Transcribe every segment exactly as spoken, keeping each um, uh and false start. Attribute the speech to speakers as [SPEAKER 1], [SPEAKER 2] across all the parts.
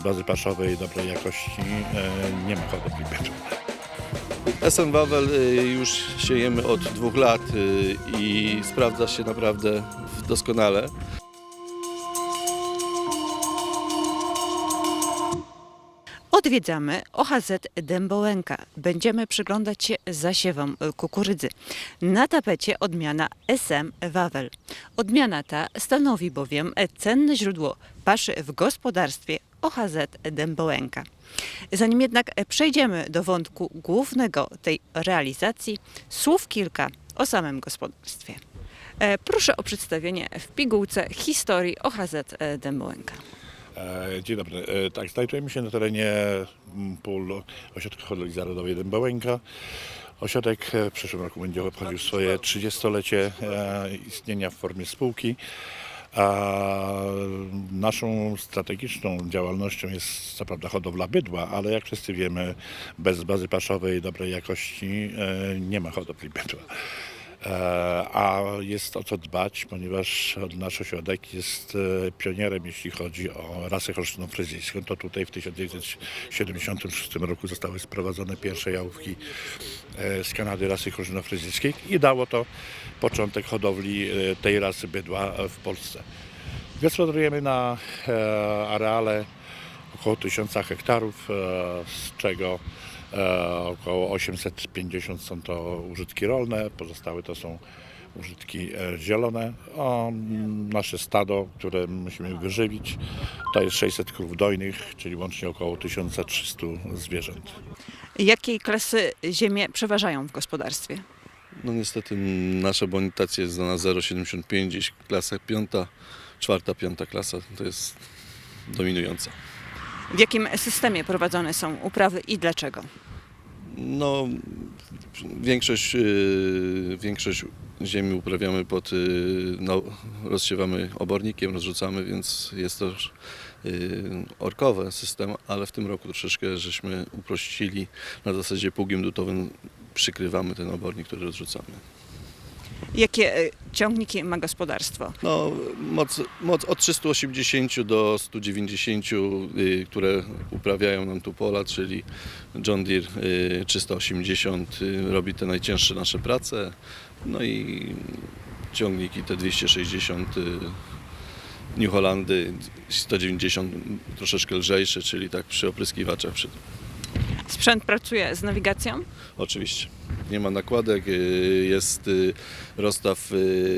[SPEAKER 1] bazy paszowej dobrej jakości e, nie ma hodowli bydła.
[SPEAKER 2] S M Wawel już siejemy od dwóch lat i sprawdza się naprawdę doskonale.
[SPEAKER 3] Odwiedzamy O H Z Dębołęka. Będziemy przyglądać się zasiewom kukurydzy. Na tapecie odmiana S M Wawel. Odmiana ta stanowi bowiem cenne źródło paszy w gospodarstwie O H Z Dębołęka. Zanim jednak przejdziemy do wątku głównego tej realizacji, słów kilka o samym gospodarstwie. Proszę o przedstawienie w pigułce historii O H Z Dębołęka.
[SPEAKER 1] Dzień dobry. Tak, znajdujemy się na terenie pól Ośrodka Hodowli Zarodowej Dębołęka. Ośrodek w przyszłym roku będzie obchodził swoje trzydziestolecie istnienia w formie spółki. A naszą strategiczną działalnością jest co prawda hodowla bydła, ale jak wszyscy wiemy, bez bazy paszowej dobrej jakości nie ma hodowli bydła. A jest o co dbać, ponieważ nasz ośrodek jest pionierem, jeśli chodzi o rasę holsztyno-fryzyjską. To tutaj w tysiąc dziewięćset siedemdziesiątym szóstym roku zostały sprowadzone pierwsze jałówki z Kanady rasy holsztyno-fryzyjskiej i dało to początek hodowli tej rasy bydła w Polsce. Gospodarujemy na areale około tysiąca hektarów, z czego około osiemset pięćdziesiąt są to użytki rolne, pozostałe to są użytki zielone. O, nasze stado, które musimy wyżywić, to jest sześćset krów dojnych, czyli łącznie około tysiąc trzysta zwierząt.
[SPEAKER 3] Jakiej klasy ziemie przeważają w gospodarstwie?
[SPEAKER 2] No niestety nasza bonitacja jest na zero przecinek siedemdziesiąt pięć, gdzieś klasa piąta, czwarta, piąta klasa to jest dominująca.
[SPEAKER 3] W jakim systemie prowadzone są uprawy i dlaczego?
[SPEAKER 2] No, większość, yy, większość ziemi uprawiamy pod, yy, no, rozsiewamy obornikiem, rozrzucamy, więc jest to yy, orkowy system, ale w tym roku troszeczkę żeśmy uprościli, na zasadzie pługiem dutowym przykrywamy ten obornik, który rozrzucamy.
[SPEAKER 3] Jakie y, ciągniki ma gospodarstwo?
[SPEAKER 2] No, moc, moc od trzystu osiemdziesięciu do stu dziewięćdziesięciu, y, które uprawiają nam tu pola, czyli John Deere y, trzysta osiemdziesiąt y, robi te najcięższe nasze prace, no i ciągniki te dwieście sześćdziesiąt y, New Hollandy, sto dziewięćdziesiąt troszeczkę lżejsze, czyli tak przy opryskiwaczach. Przy...
[SPEAKER 3] Sprzęt pracuje z nawigacją?
[SPEAKER 2] Oczywiście. Nie ma nakładek, jest rozstaw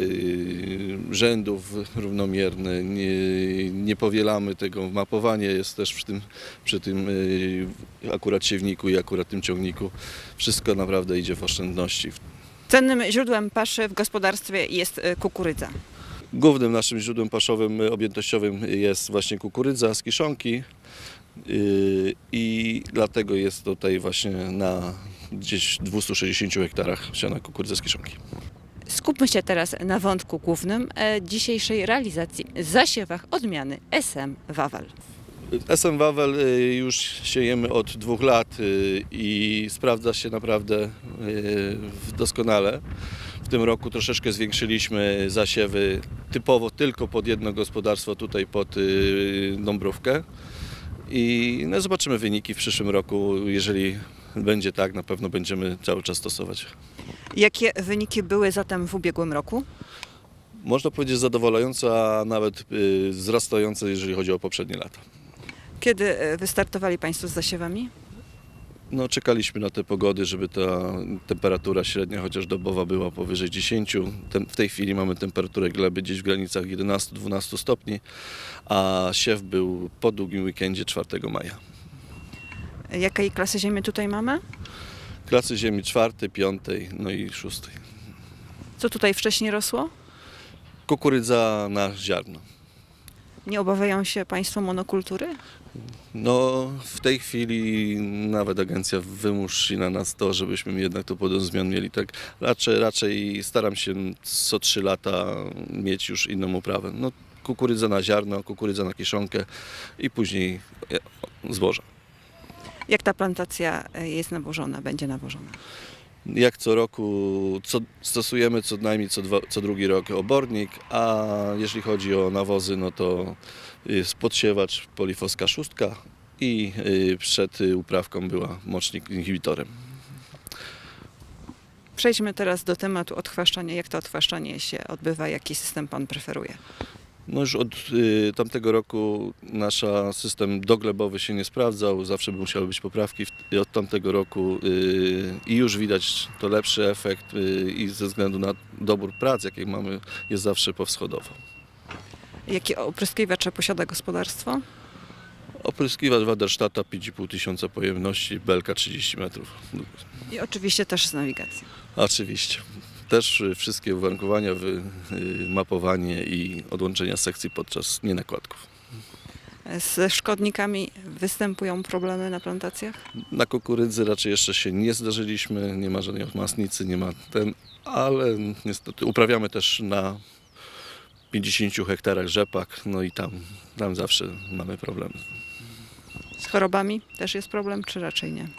[SPEAKER 2] rzędów równomierny, nie, nie powielamy tego, mapowanie jest też przy tym, przy tym akurat siewniku i akurat tym ciągniku. Wszystko naprawdę idzie w oszczędności.
[SPEAKER 3] Cennym źródłem paszy w gospodarstwie jest kukurydza.
[SPEAKER 2] Głównym naszym źródłem paszowym objętościowym jest właśnie kukurydza z kiszonki. I dlatego jest tutaj właśnie na gdzieś dwustu sześćdziesięciu hektarach siana kukurydza z kiszonki.
[SPEAKER 3] Skupmy się teraz na wątku głównym dzisiejszej realizacji, zasiewach odmiany S M Wawel.
[SPEAKER 2] S M Wawel już siejemy od dwóch lat i sprawdza się naprawdę doskonale. W tym roku troszeczkę zwiększyliśmy zasiewy typowo tylko pod jedno gospodarstwo, tutaj pod Dąbrówkę. I no, zobaczymy wyniki w przyszłym roku. Jeżeli będzie tak, na pewno będziemy cały czas stosować.
[SPEAKER 3] Jakie wyniki były zatem w ubiegłym roku?
[SPEAKER 2] Można powiedzieć zadowalające, a nawet y, wzrastające, jeżeli chodzi o poprzednie lata.
[SPEAKER 3] Kiedy wystartowali Państwo z zasiewami?
[SPEAKER 2] No, czekaliśmy na te pogody, żeby ta temperatura średnia, chociaż dobowa, była powyżej dziesięciu. Ten, w tej chwili mamy temperaturę gleby gdzieś w granicach jedenastu do dwunastu stopni, a siew był po długim weekendzie czwartego maja.
[SPEAKER 3] Jakiej klasy ziemi tutaj mamy?
[SPEAKER 2] Klasy ziemi czwartej, piątej, no i szóstej.
[SPEAKER 3] Co tutaj wcześniej rosło?
[SPEAKER 2] Kukurydza na ziarno.
[SPEAKER 3] Nie obawiają się Państwo monokultury?
[SPEAKER 2] No, w tej chwili nawet agencja wymusi na nas to, żebyśmy jednak to podjął zmian mieli. Tak raczej, raczej staram się co trzy lata mieć już inną uprawę. No, kukurydza na ziarno, kukurydza na kiszonkę i później zboża.
[SPEAKER 3] Jak ta plantacja jest nawożona, będzie nawożona?
[SPEAKER 2] Jak co roku co, stosujemy co najmniej co, dwa, co drugi rok obornik, a jeżeli chodzi o nawozy, no to jest podsiewacz Polifoska szóstka i y, przed y, uprawką była mocznik inhibitorem.
[SPEAKER 3] Przejdźmy teraz do tematu odchwaszczania. Jak to odchwaszczanie się odbywa? Jaki system pan preferuje?
[SPEAKER 2] No już od y, tamtego roku nasz system doglebowy się nie sprawdzał, zawsze musiały być poprawki w, i od tamtego roku y, i już widać to lepszy efekt y, i ze względu na dobór prac, jakie mamy, jest zawsze powschodowo.
[SPEAKER 3] Jakie opryskiwacze posiada gospodarstwo?
[SPEAKER 2] Opryskiwacz Waderstata pięć i pół tysiąca pojemności, belka trzydzieści metrów.
[SPEAKER 3] I oczywiście też z nawigacją.
[SPEAKER 2] Oczywiście. Też y, wszystkie uwarunkowania, wy, y, mapowanie i odłączenia sekcji podczas nienakładków.
[SPEAKER 3] Z szkodnikami występują problemy na plantacjach?
[SPEAKER 2] Na kukurydzy raczej jeszcze się nie zdarzyliśmy, nie ma żadnej masnicy, nie ma ten, ale niestety uprawiamy też na pięćdziesięciu hektarach rzepak, no i tam, tam zawsze mamy problemy.
[SPEAKER 3] Z chorobami też jest problem, czy raczej nie?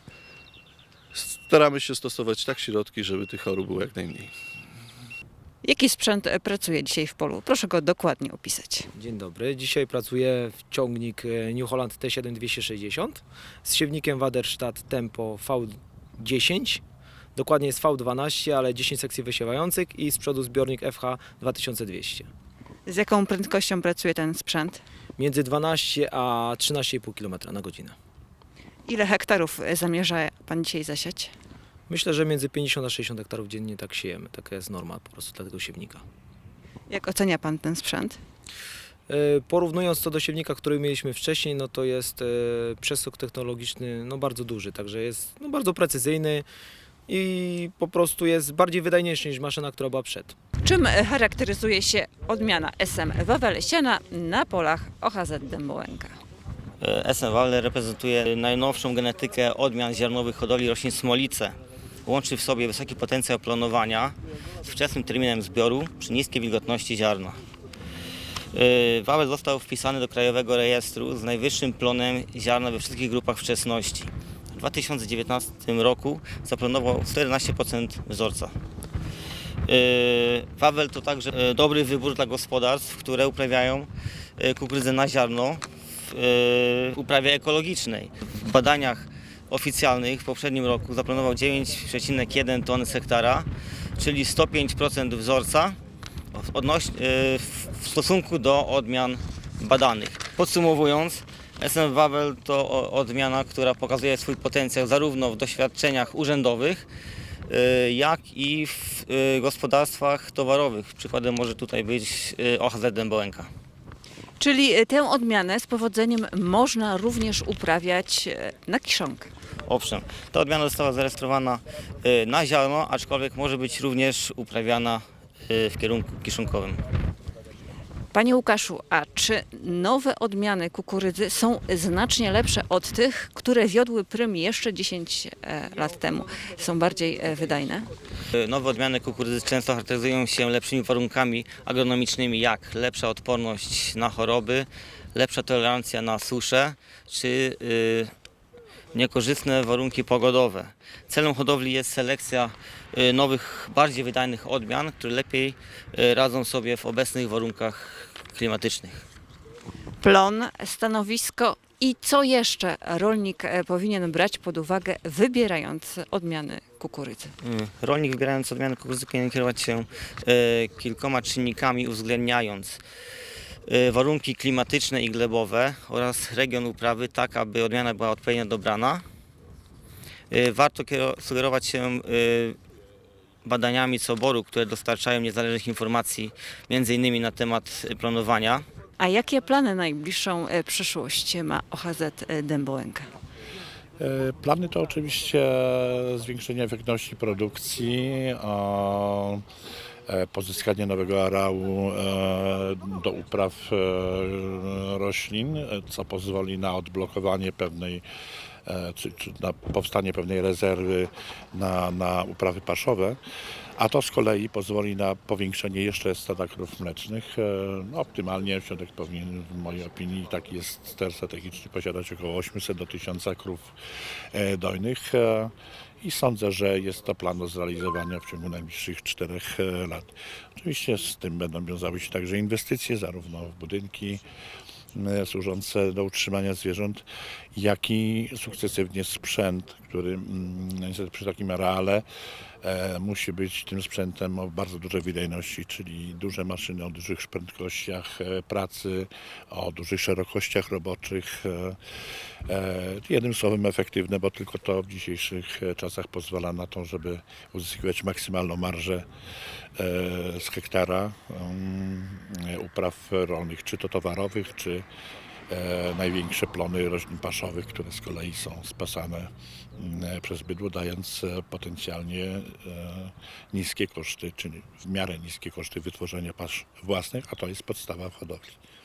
[SPEAKER 2] Staramy się stosować tak środki, żeby tych chorób było jak najmniej.
[SPEAKER 3] Jaki sprzęt e, pracuje dzisiaj w polu? Proszę go dokładnie opisać.
[SPEAKER 4] Dzień dobry. Dzisiaj pracuję w ciągnik e, New Holland T siedem dwieście sześćdziesiąt z siewnikiem Waderstadt Tempo V dziesięć. Dokładnie jest V dwanaście, ale dziesięć sekcji wysiewających i z przodu zbiornik F H dwa tysiące dwieście.
[SPEAKER 3] Z jaką prędkością pracuje ten sprzęt?
[SPEAKER 4] Między dwanaście a trzynaście i pół kilometra na godzinę.
[SPEAKER 3] Ile hektarów e, zamierza pan dzisiaj zasiać?
[SPEAKER 4] Myślę, że między pięćdziesiąt a sześćdziesiąt hektarów dziennie tak siejemy. Taka jest norma po prostu dla tego siewnika.
[SPEAKER 3] Jak ocenia pan ten sprzęt?
[SPEAKER 4] E, Porównując to do siewnika, który mieliśmy wcześniej, no to jest e, przeskok technologiczny no bardzo duży, także jest no bardzo precyzyjny i po prostu jest bardziej wydajniejszy niż maszyna, która była przed.
[SPEAKER 3] Czym e, charakteryzuje się odmiana S M Wawel siana na polach O H Z Dębołęka?
[SPEAKER 5] S M Wawel reprezentuje najnowszą genetykę odmian ziarnowych hodowli roślin smolice. Łączy w sobie wysoki potencjał planowania z wczesnym terminem zbioru przy niskiej wilgotności ziarna. Wawel został wpisany do Krajowego Rejestru z najwyższym plonem ziarna we wszystkich grupach wczesności. W dwa tysiące dziewiętnastym roku zaplanował czternaście procent wzorca. Wawel to także dobry wybór dla gospodarstw, które uprawiają kukurydzę na ziarno w uprawie ekologicznej. W badaniach oficjalnych w poprzednim roku zaplanował dziewięć przecinek jeden tony z hektara, czyli sto pięć procent wzorca odnoś- w stosunku do odmian badanych. Podsumowując, S M Wawel to odmiana, która pokazuje swój potencjał zarówno w doświadczeniach urzędowych, jak i w gospodarstwach towarowych. Przykładem może tutaj być O H Z Dębołęka.
[SPEAKER 3] Czyli e, tę odmianę z powodzeniem można również uprawiać e, na kiszonkę.
[SPEAKER 5] Owszem, ta odmiana została zarejestrowana y, na ziarno, aczkolwiek może być również uprawiana y, w kierunku kiszonkowym.
[SPEAKER 3] Panie Łukaszu, a czy nowe odmiany kukurydzy są znacznie lepsze od tych, które wiodły prym jeszcze dziesięć e, lat temu? Są bardziej e, wydajne?
[SPEAKER 5] Y, Nowe odmiany kukurydzy często charakteryzują się lepszymi warunkami agronomicznymi, jak lepsza odporność na choroby, lepsza tolerancja na suszę czy y, niekorzystne warunki pogodowe. Celem hodowli jest selekcja y, nowych, bardziej wydajnych odmian, które lepiej y, radzą sobie w obecnych warunkach klimatycznych.
[SPEAKER 3] Plon, stanowisko i co jeszcze rolnik e, powinien brać pod uwagę, wybierając odmiany kukurydzy?
[SPEAKER 5] Y, Rolnik, wybierając odmiany kukurydzy, powinien kierować się y, kilkoma czynnikami, uwzględniając y, warunki klimatyczne i glebowe oraz region uprawy, tak aby odmiana była odpowiednio dobrana. Y, Warto kiero- sugerować się y, badaniami coboru, które dostarczają niezależnych informacji między innymi na temat planowania.
[SPEAKER 3] A jakie plany na najbliższą e, przyszłość ma O H Z Dębołęka?
[SPEAKER 1] E, Plany to oczywiście zwiększenie efektywności produkcji, a, e, pozyskanie nowego areału e, do upraw e, roślin, e, co pozwoli na odblokowanie pewnej, e, czy, czy na powstanie pewnej rezerwy na, na uprawy paszowe. A to z kolei pozwoli na powiększenie jeszcze stada krów mlecznych. E, No, optymalnie ośrodek powinien, w mojej opinii, taki jest cel strategiczny, posiadać około osiemset do tysiąca krów e, dojnych. E, I sądzę, że jest to plan do zrealizowania w ciągu najbliższych czterech e, lat. Oczywiście z tym będą wiązały się także inwestycje, zarówno w budynki, e, służące do utrzymania zwierząt, jak i sukcesywnie sprzęt, który mm, niestety przy takim areale e, musi być tym sprzętem o bardzo dużej wydajności, czyli duże maszyny o dużych prędkościach e, pracy, o dużych szerokościach roboczych. E, e, jednym słowem efektywne, bo tylko to w dzisiejszych e, czasach pozwala na to, żeby uzyskiwać maksymalną marżę e, z hektara um, upraw rolnych, czy to towarowych, czy e, największe plony roślin paszowych, które z kolei są spasane mm, przez bydło, dając e, potencjalnie e, niskie koszty, czyli w miarę niskie koszty wytworzenia pasz własnych, a to jest podstawa w hodowli.